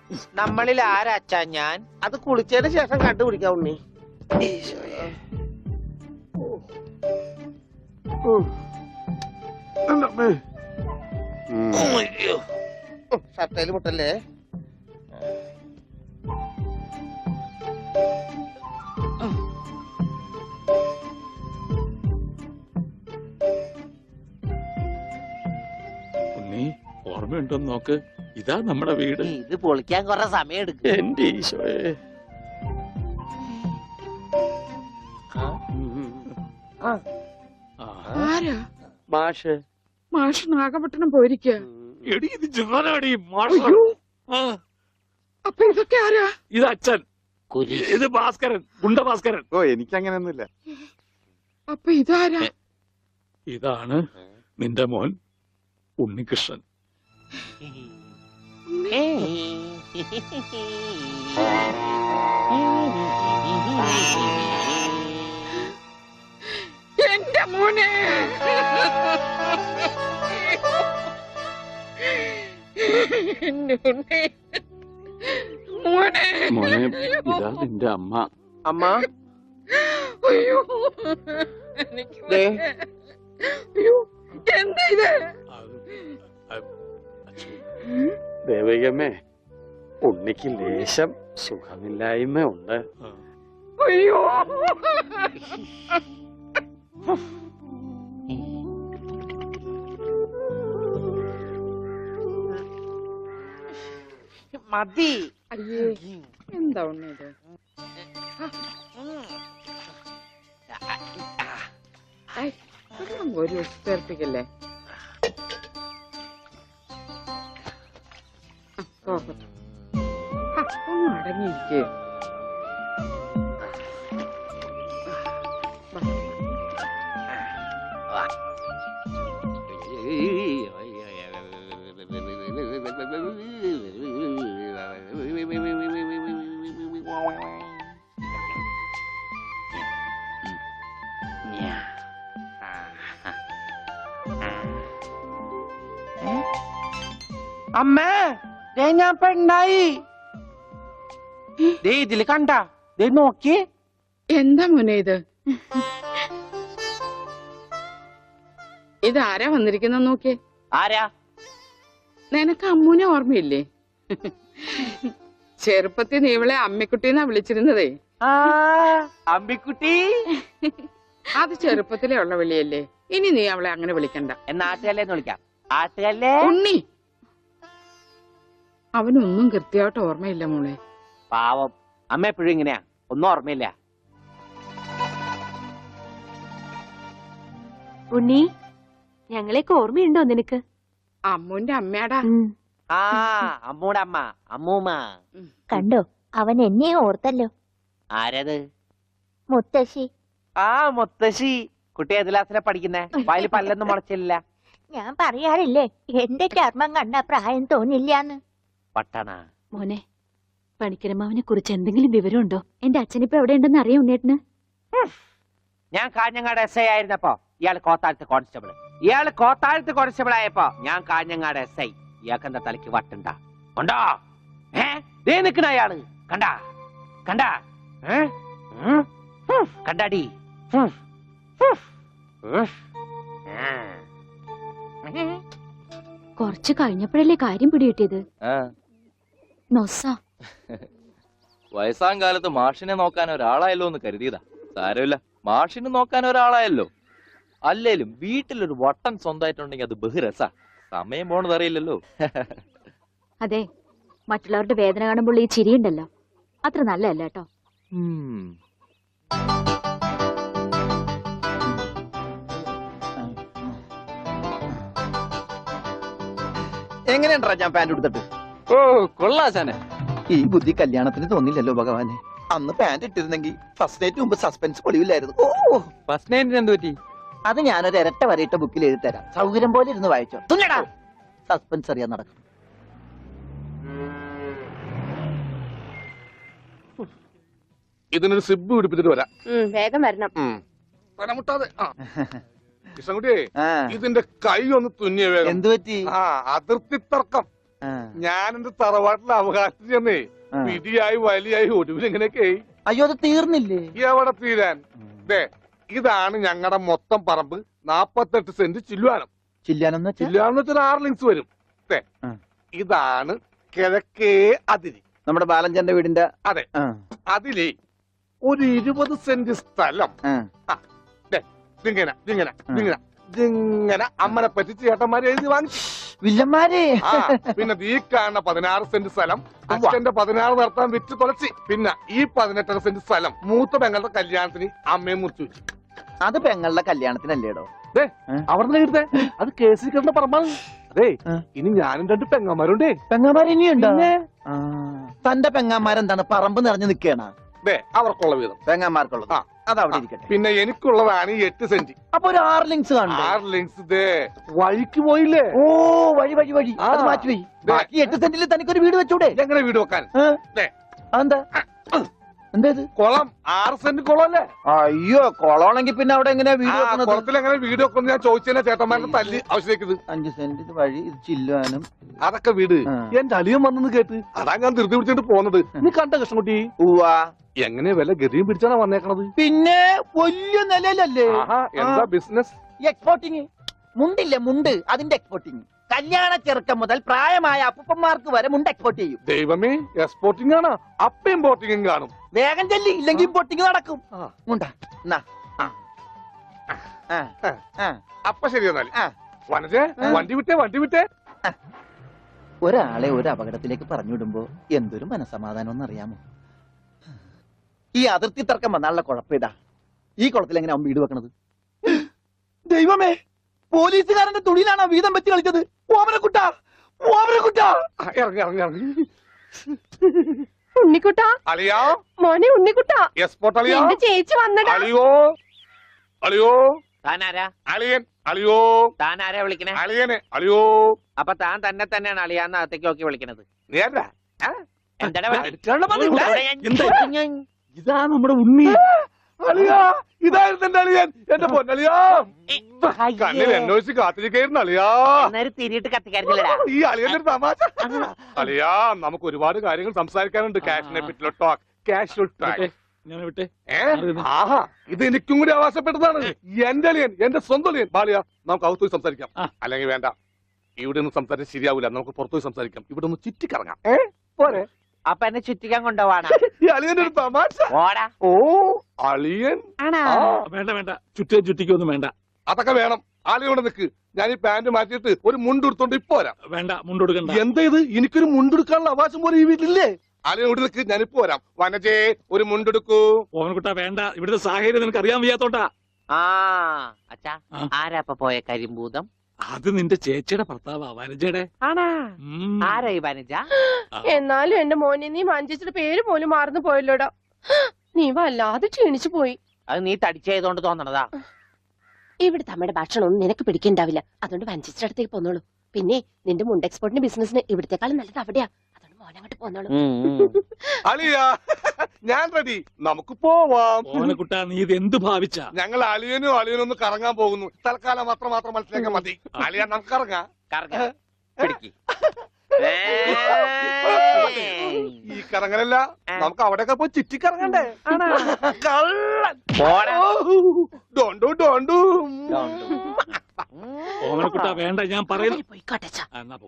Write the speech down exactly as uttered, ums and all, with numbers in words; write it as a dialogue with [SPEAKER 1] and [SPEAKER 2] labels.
[SPEAKER 1] നമ്മളിൽ ആരാച്ചാ ഞാൻ?
[SPEAKER 2] അത് കുളിച്ചതിന് ശേഷം കണ്ടുപിടിക്കാം ഉണ്ണി. ഷർട്ടയില് മുട്ടല്ലേ?
[SPEAKER 3] ഉണ്ണി ഓർമ്മയുണ്ടോന്ന് നോക്ക്. ഇതാ നമ്മുടെ വീട്.
[SPEAKER 1] ഇത് പൊളിക്കാൻ കുറെ സമയം എടുക്കും.
[SPEAKER 3] എന്റെ ഈശോയെ.
[SPEAKER 4] ആരാ?
[SPEAKER 2] മാഷ്.
[SPEAKER 4] മാഷ് നാഗപട്ടണം പോയിരിക്കുക.
[SPEAKER 3] എടി ഇത് ജാനാടി മാഷ്.
[SPEAKER 4] അപ്പൊ ഇതൊക്കെ ആരാ?
[SPEAKER 3] ഇത് അച്ഛൻ. ഇത് ഭാസ്കരൻ, ഗുണ്ട ഭാസ്കരൻ.
[SPEAKER 5] ഓ എനിക്കങ്ങനെയൊന്നുമില്ല.
[SPEAKER 4] അപ്പൊ ഇതാരാ?
[SPEAKER 3] ഇതാണ് നിന്റെ മോൻ ഉണ്ണികൃഷ്ണൻ.
[SPEAKER 4] എന്റെ മോനെ. മോനെ
[SPEAKER 3] മോനെ ഇതാ നിന്റെ അമ്മ.
[SPEAKER 2] അമ്മ
[SPEAKER 4] അയ്യോ അയ്യോ എന്താ ഇത്?
[SPEAKER 5] ദേവികമ്മേ, ഉണ്ണിക്ക് ലേശം സുഖമില്ലായ്മ ഉണ്ട്.
[SPEAKER 4] അയ്യോ
[SPEAKER 1] മതി.
[SPEAKER 4] അയ്യേ എന്താ ഉണ്ണിയത്? ഒരു ചേർപ്പിക്കല്ലേ? ഒന്ന് അടങ്ങിയിരിക്കേ.
[SPEAKER 1] അമ്മേ, ദേ ഞാൻ പെണ്ണായി. ദേ ഇതില് കണ്ട, ദേ നോക്കി.
[SPEAKER 4] എന്താ മോനെ ഇത്? ഇതാരാ വന്നിരിക്കുന്ന നോക്കിയേ.
[SPEAKER 1] ആരാ?
[SPEAKER 4] നിനക്ക് അമ്മൂനെ ഓർമ്മയില്ലേ? ചെറുപ്പത്തിൽ നീ ഇവളെ അമ്മിക്കുട്ടിന്നാ വിളിച്ചിരുന്നതേ.
[SPEAKER 1] ആ അമ്മിക്കുട്ടി.
[SPEAKER 4] അത് ചെറുപ്പത്തിലേ ഉള്ള വിളിയല്ലേ. ഇനി നീ അവളെ അങ്ങനെ വിളിക്കണ്ട.
[SPEAKER 1] എന്നാ ആട്ടുകല്ലേന്ന് വിളിക്കാം. ആട്ടുകല്ലേ.
[SPEAKER 4] ഉണ്ണി, അവനൊന്നും കൃത്യമായിട്ട് ഓർമ്മയില്ല മോളെ.
[SPEAKER 1] പാവം അമ്മ എപ്പോഴും ഇങ്ങനെയാ, ഒന്നും ഓർമ്മയില്ല.
[SPEAKER 6] ഉണ്ണി, ഞങ്ങളെയൊക്കെ ഓർമ്മയുണ്ടോ നിനക്ക്?
[SPEAKER 4] അമ്മൂന്റെ അമ്മയാടാ.
[SPEAKER 1] ആ അമ്മൂടെ അമ്മ, അമ്മൂമ്മ.
[SPEAKER 6] കണ്ടോ, അവൻ എന്നെ ഓർത്തല്ലോ.
[SPEAKER 1] ആരത്?
[SPEAKER 6] മുത്തശ്ശി.
[SPEAKER 1] ആ മുത്തശ്ശി. കുട്ടി ഏത് ക്ലാസ്സിലാ പഠിക്കുന്നേ? വായിൽ പല്ലൊന്നും മുളച്ചില്ല.
[SPEAKER 6] ഞാൻ പറയാറില്ലേ, എന്റെ ചർമ്മം കണ്ട പ്രായം തോന്നില്ലാന്ന്.
[SPEAKER 1] പട്ടണ
[SPEAKER 6] മോനെ, പണിക്കരമാവിനെ കുറിച്ച് എന്തെങ്കിലും വിവരമുണ്ടോ? എന്റെ അച്ഛനിപ്പോ എവിടെ ഉണ്ടെന്ന് അറിയാം ഉണ്ണേട്ടന്?
[SPEAKER 1] ഞാൻ കാഞ്ഞങ്ങാട് എസ് ഐ ആയിരുന്നപ്പോ ഇയാള് കോത്താഴത്ത് കോൺസ്റ്റബിൾ. ഇയാള് കോത്താഴത്ത് കോൺസ്റ്റബിൾ ആയപ്പോ ഞാൻ കാഞ്ഞങ്ങാട് എസ് ഐ. ഇയാൾക്ക് എന്താ തലയ്ക്ക് വട്ടുണ്ട? ഉണ്ടോ? ഏ ദേ നിക്കണ അയാള്. കണ്ടാ കണ്ടാ കണ്ടാടി.
[SPEAKER 6] കുറച്ച് കഴിഞ്ഞപ്പോഴല്ലേ കാര്യം പിടികിട്ടിയത്. നൊസ
[SPEAKER 7] വയസ്സാം കാലത്ത് മാഷിനെ നോക്കാൻ ഒരാളായല്ലോ എന്ന് കരുതിയതാ. സാരമില്ല, മാഷിനെ നോക്കാൻ ഒരാളായല്ലോ. അല്ലേലും വീട്ടിലൊരു വട്ടൻ സ്വന്തമായിട്ടുണ്ടെങ്കിൽ അത് ബഹുരസാ. സമയം പോണത് അറിയില്ലല്ലോ.
[SPEAKER 6] അതെ, മറ്റുള്ളവരുടെ വേദന കാണുമ്പോൾ ഈ ചിരിയുണ്ടല്ലോ, അത്ര നല്ലതല്ല കേട്ടോ.
[SPEAKER 2] എങ്ങനെയുണ്ടാ ഞാൻ പാന്റ് എടുത്തിട്ട്?
[SPEAKER 7] ഓ കൊള്ളാശാനെ.
[SPEAKER 2] ഈ ബുദ്ധി കല്യാണത്തിന് തോന്നില്ലല്ലോ ഭഗവാനെ. അന്ന് പാന്റ് ഇട്ടിരുന്നെങ്കിൽ ഫസ്റ്റ് നൈറ്റ് മുമ്പ് സസ്പെൻസ് പൊളിവില്ലായിരുന്നു. ഓ
[SPEAKER 7] ഫസ്റ്റ് നൈറ്റിന് എന്ത് പറ്റി?
[SPEAKER 2] അത് ഞാനൊരു ഇരട്ട വരയിട്ട ബുക്കിൽ എഴുതി തരാം. സൗകര്യം പോലെ ഇരുന്ന് വായിച്ചോ. തുന്നടാ, സസ്പെൻസ് അറിയാൻ നടക്കും.
[SPEAKER 5] ഇതിനൊരു സിബ് പിടിപ്പിച്ചിട്ട് വരാം.
[SPEAKER 6] വേഗം വരണം.
[SPEAKER 5] തലമുട്ടാതെ. കൃഷ്ണൻകുട്ടിയെ, ഇതിന്റെ കൈ ഒന്ന് തുന്നിയ വേഗം.
[SPEAKER 2] എന്തു പറ്റി?
[SPEAKER 5] ആ അതിർത്തി തർക്കം.
[SPEAKER 2] ആ.
[SPEAKER 5] ഞാൻ എന്റെ തറവാട്ടിലെ അവകാശം ചെന്നേ
[SPEAKER 2] ആ.
[SPEAKER 5] പിടിയായി വലിയായി ഒടുവിൽ എങ്ങനെയൊക്കെ
[SPEAKER 2] അയ്യോ അത് തീർന്നില്ലേ?
[SPEAKER 5] എവിടെ തീരാൻ ദേ ഇതാണ് ഞങ്ങളുടെ മൊത്തം പറമ്പ് നാപ്പത്തെട്ട് സെന്റ് ചില്ലുവാനം.
[SPEAKER 2] ചില്ലാനെന്ന് വെച്ചാ
[SPEAKER 5] ചില്ലുവാനം വെച്ചാൽ ആറ് ലിങ്സ് വരും. ദേ
[SPEAKER 2] ആ.
[SPEAKER 5] ഇതാണ് കിഴക്കേ അതിരി.
[SPEAKER 2] നമ്മുടെ ബാലഞ്ചന്റെ വീടിന്റെ
[SPEAKER 5] അതെ.
[SPEAKER 2] ആ,
[SPEAKER 5] അതിലേ ഒരു ഇരുപത് സെന്റ് സ്ഥലം
[SPEAKER 2] ആ.
[SPEAKER 5] ഇതിങ്ങനെ ഇതിങ്ങനെ ഇതിങ്ങനെ ഇതിങ്ങനെ അമ്മനെ പറ്റി ചേട്ടന്മാര് എഴുതി വാങ്ങിച്ചു.
[SPEAKER 2] വില്ലന്മാരെ
[SPEAKER 5] ആ പിന്നെ ഈ കാണുന്ന പതിനാറ് സെന്റ് സ്ഥലം അച്ഛന്റെ പതിനാറ് നടത്താൻ വിറ്റ് തുളച്ചി. പിന്നെ ഈ പതിനെട്ടര സെന്റ് സ്ഥലം മൂത്ത പെങ്ങളുടെ കല്യാണത്തിന് അമ്മയെ മുറിച്ചു വെച്ചു.
[SPEAKER 2] അത് പെങ്ങളുടെ കല്യാണത്തിനല്ലേടോ?
[SPEAKER 5] അവിടെ എഴുതേ അത് കേസിൽ കിടന്ന പറമ്പാണ്. അതെ
[SPEAKER 2] ആ.
[SPEAKER 5] ഇനി ഞാനും രണ്ട് പെങ്ങന്മാരുണ്ടേ.
[SPEAKER 2] പെങ്ങാമാർ ഇനിയുണ്ടോ? ആ. തന്റെ പെങ്ങാമാരെന്താണ് പറമ്പ് നിറഞ്ഞു നിൽക്കണ?
[SPEAKER 5] ദേ അവർക്കുള്ള വീതം.
[SPEAKER 2] പെങ്ങാമാർക്കുള്ളത്
[SPEAKER 5] ആ.
[SPEAKER 2] അത് അവിടെ ഇരിക്കട്ടെ.
[SPEAKER 5] പിന്നെ എനിക്കുള്ളതാണ് ഈ എട്ട് സെന്റ്.
[SPEAKER 2] അപ്പൊ ഒരു ആറ് ലിങ്സ് കാണണ്ടേ?
[SPEAKER 5] ആറ് ലിങ്സ് ദേ വഴിക്ക് പോയില്ലേ?
[SPEAKER 2] ഓ വഴി വഴി വഴി
[SPEAKER 5] ആ.
[SPEAKER 2] അത് മാറ്റി പോയി.
[SPEAKER 5] ദേ.
[SPEAKER 2] ബാക്കി എട്ട് സെന്റിൽ തനിക്കൊരു വീട് വെച്ചൂടെ?
[SPEAKER 5] എങ്ങനെ വീട് വെക്കാൻ?
[SPEAKER 2] ഏ?
[SPEAKER 5] ദേ.
[SPEAKER 2] അതെന്താ? എന്താ ഇത്?
[SPEAKER 5] കുളം ആറ് സെന്റ് കുളം അല്ലേ?
[SPEAKER 2] അയ്യോ കൊളമാണെങ്കിൽ പിന്നെ അവിടെ എങ്ങനെയാ വീട്
[SPEAKER 5] ആ,
[SPEAKER 2] വെക്കുന്നത്?
[SPEAKER 5] കുളത്തിൽ എങ്ങനെ വീട് വെക്കുന്നു ഞാൻ ചോദിച്ചതിനെ ചേട്ടന്മാരുടെ തല്ലി ആവശ്യത്തേക്ക്.
[SPEAKER 2] അഞ്ച് സെന്റ് ഇത് വഴി ഇത് ചില്ലുവാനും.
[SPEAKER 5] അതൊക്കെ വീട്
[SPEAKER 2] ആ.
[SPEAKER 5] എന്റെ അളിയൻ വന്നെന്ന് കേട്ട് അതാ ഞാൻ ധൃതി പിടിച്ചിട്ട് പോന്നത്. നീ കണ്ട കൃഷ്ണൻകുട്ടി
[SPEAKER 2] ഉവ്വാ.
[SPEAKER 5] എങ്ങനെ വല്ല ഗതിയും പിടിച്ചാണ് വന്നേക്കണത്?
[SPEAKER 2] പിന്നെ വലിയ നിലയിലല്ലേ
[SPEAKER 5] ആഹാ എന്താ ബിസിനസ്?
[SPEAKER 2] എക്സ്പോർട്ടിങ്. മുണ്ടില്ലേ മുണ്ട്, അതിന്റെ എക്സ്പോർട്ടിങ്. കല്യാണ ചെറുക്കം മുതൽ പ്രായമായ അപ്പൂപ്പന്മാർക്ക് വരെ മുണ്ട് എക്സ്പോർട്ട് ചെയ്യും.
[SPEAKER 5] ദൈവമേ എക്സ്പോർട്ടിംഗ് ആണ്. അപ്പ ഇമ്പോർട്ടിംഗും കാണും.
[SPEAKER 2] വേഗം ചെല്ലി ഇല്ലെങ്കിൽ ഇമ്പോർട്ടിങ് നടക്കും.
[SPEAKER 5] ആ.
[SPEAKER 2] മുണ്ട എന്നാ. ആ. ആ. ആ.
[SPEAKER 5] അപ്പ ശരി എന്നാല്
[SPEAKER 2] ആ.
[SPEAKER 5] വനജേ
[SPEAKER 2] ആ.
[SPEAKER 5] വണ്ടി വിട്ടേ വണ്ടി വിട്ടേ.
[SPEAKER 2] ഒരാളെ ഒരു അപകടത്തിലേക്ക് പറഞ്ഞുവിടുമ്പോ എന്തൊരു മനസമാധാനം എന്നറിയാമോ? ഈ അതിർത്തി തർക്കം വന്നാലുള്ള കുഴപ്പമിതാ. ഈ കുളത്തിൽ എങ്ങനെ അവൻ വീട് വെക്കണത്? ദൈവമേ, പോലീസുകാരന്റെ തുണിയിലാണോ വീതം വെച്ച് കളിച്ചത്? ഓമനക്കുട്ട, ഓമനക്കുട്ട.
[SPEAKER 5] ആ, ഇറങ്ങി ഇറങ്ങി ഇറങ്ങി.
[SPEAKER 8] ഉണ്ണിക്കുട്ടാ,
[SPEAKER 5] അളിയാ
[SPEAKER 8] മോനെ ഉണ്ണിക്കുട്ടാ,
[SPEAKER 5] എക്സ്പോർട്ട് അളിയാ.
[SPEAKER 8] എന്റെ ചേച്ചി വന്നടാ.
[SPEAKER 5] അളിയോ അളിയോ
[SPEAKER 1] താനാരാ?
[SPEAKER 5] അളിയൻ അളിയോ
[SPEAKER 1] താനാരാ വിളിക്കണേ?
[SPEAKER 5] അളിയനെ അളിയോ.
[SPEAKER 1] അപ്പൊ താൻ തന്നെ തന്നെയാണ് അളിയാന്ന് അകത്തേക്ക് നോക്കി വിളിക്കണത്.
[SPEAKER 5] നീ ആരാ?
[SPEAKER 1] എന്താടാ
[SPEAKER 5] ആ,
[SPEAKER 1] വിളി?
[SPEAKER 5] എടുക്കാനുള്ള പണിയില്ല.
[SPEAKER 1] ഇവിടെ ഞാൻ-
[SPEAKER 3] എന്താ?
[SPEAKER 1] ഞാൻ-
[SPEAKER 3] ഇതാ നമ്മുടെ ഉണ്ണി.
[SPEAKER 5] അളിയാ ഇതായിരുന്നു എന്റെ അളിയൻ. എന്റെ പൊന്നളിയാ
[SPEAKER 1] അയ്യേ.
[SPEAKER 5] കണ്ണിൽ അന്വേഷിച്ച് കാത്തിരിക്കായിരുന്നു അളിയാ.
[SPEAKER 1] അന്നേരം തിരിയിട്ട് കത്തിക്കാരുന്നില്ലടാ.
[SPEAKER 5] ഈ അളിയന്റെ ഒരു തമാശ. അളിയാ നമുക്ക് ഒരുപാട് കാര്യങ്ങൾ സംസാരിക്കാനുണ്ട്. കാഷിനെ പറ്റിയുള്ള ടോക്ക് കാഷ്വൽ ടോക്ക്.
[SPEAKER 3] ഞാൻ വിട്ടെ.
[SPEAKER 5] ഏ ആഹാ ഇത് എനിക്കും കൂടി അവകാശപ്പെട്ടതാണ്. എന്റെ അളിയൻ എന്റെ സ്വന്തം അളിയൻ ബാലിയ. നമുക്ക് അകത്ത് പോയി സംസാരിക്കാം.
[SPEAKER 3] ആ.
[SPEAKER 5] അല്ലെങ്കിൽ വേണ്ട, ഇവിടെ നിന്ന് സംസാരിച്ച് ശരിയാവില്ല. നമുക്ക് പുറത്തു പോയി സംസാരിക്കാം. ഇവിടെ ഒന്ന് ചുറ്റിക്കറങ്ങാം. ഏ പോരെ?
[SPEAKER 1] അപ്പൊ എന്നെ ചുറ്റിക്കാൻ കൊണ്ടുപോവാണ്.
[SPEAKER 5] ഈ അളിയന്റെ ഒരു തമാശ.
[SPEAKER 1] ഓടാ.
[SPEAKER 5] ഓ അളിയൻ.
[SPEAKER 1] ആണാ?
[SPEAKER 5] ആ,
[SPEAKER 3] വേണ്ട വേണ്ട, ചുറ്റേ ചുറ്റിക്കൊന്നും വേണ്ട.
[SPEAKER 5] അതൊക്കെ വേണം. ആളിയോടെ നിക്ക്. ഞാൻ ഈ പാന്റ് മാറ്റിയിട്ട് ഒരു മുണ്ട് എടുത്തോണ്ട് ഇപ്പൊ വരാം.
[SPEAKER 3] വേണ്ട, മുണ്ടൊടുക്കണ്ട.
[SPEAKER 5] എന്താ ഇത്? എനിക്കൊരു മുണ്ടെടുക്കാനുള്ള അവകാശം പോലെ ഈ വീട്ടിലില്ലേ? ആളിയോട് നിക്ക്, ഞാനിപ്പോ വരാം. വനജേ ഒരു മുണ്ടെടുക്കൂ.
[SPEAKER 3] ഓവൻകുട്ടാ വേണ്ട, ഇവിടുത്തെ സാഹചര്യം നിനക്ക് അറിയാൻ വയ്യാത്തോട്ടാ.
[SPEAKER 1] ആ അച്ഛാ,
[SPEAKER 3] ആ.
[SPEAKER 1] ആരാ അപ്പൊ പോയ കരിമ്പൂതം?
[SPEAKER 3] അത് നിന്റെ ചേച്ചിയുടെ ഭർത്താവാ, വനജയുടെ.
[SPEAKER 1] ആണാ?
[SPEAKER 3] ഉം.
[SPEAKER 1] ആരാ ഈ വനജ?
[SPEAKER 3] ആ.
[SPEAKER 8] എന്നാലും എന്റെ മോനെ നീ മഞ്ചേച്ചിയുടെ പേര് പോലും മറന്നു പോയല്ലോടാ. നീ വല്ലാതെ ക്ഷീണിച്ചു പോയി.
[SPEAKER 1] അത് നീ തടിച്ചതുകൊണ്ട് തോന്നണതാ.
[SPEAKER 8] ഇവിടുത്തെ അമ്മയുടെ ഭക്ഷണം ഒന്നും നിനക്ക് പിടിക്കണ്ടാവില്ല. അതുകൊണ്ട് മഞ്ചേച്ചിയുടെ അടുത്തേക്ക് പോന്നോളൂ. പിന്നെ നിന്റെ മുണ്ട് എക്സ്പോർട്ടിന്റെ ബിസിനസിന് ഇവിടത്തെക്കാളും നല്ലത് അവിടെയാ. അതുകൊണ്ട് മോനങ്ങോട്ട് പോന്നോളൂ.
[SPEAKER 1] ഉം, ഉം.
[SPEAKER 5] അളിയാ ഞാൻ റെഡി. നമുക്ക് പോവാം.
[SPEAKER 3] ഓവൻകുട്ടാ, നീ ഇത് എന്ത് ഭാവിച്ചാ?
[SPEAKER 5] ഞങ്ങൾ അളിയനും അളിയനും ഒന്ന് കറങ്ങാൻ പോകുന്നു. തൽക്കാലം മാത്രം മാത്രം മനസ്സിലാക്കാൻ മതി. അളിയ നമുക്ക് ഇറങ്ങാം.
[SPEAKER 1] കറങ്ങ്. പിടിക്ക്.
[SPEAKER 5] ഈ കറങ്ങലല്ല, നമുക്ക് അവിടെയൊക്കെ പോയി ചുറ്റിക്കറങ്ങണ്ടേ?
[SPEAKER 1] ആണാ?
[SPEAKER 5] കള്ളൻ.
[SPEAKER 1] പോടാ.
[SPEAKER 5] ഡോണ്ടു ഡോണ്ടു.
[SPEAKER 3] ഓവൻകുട്ടാ വേണ്ട, ഞാൻ പറയുന്നു.
[SPEAKER 8] പോയിക്കോട്ടെ.
[SPEAKER 3] ആ, എന്നാ പോ.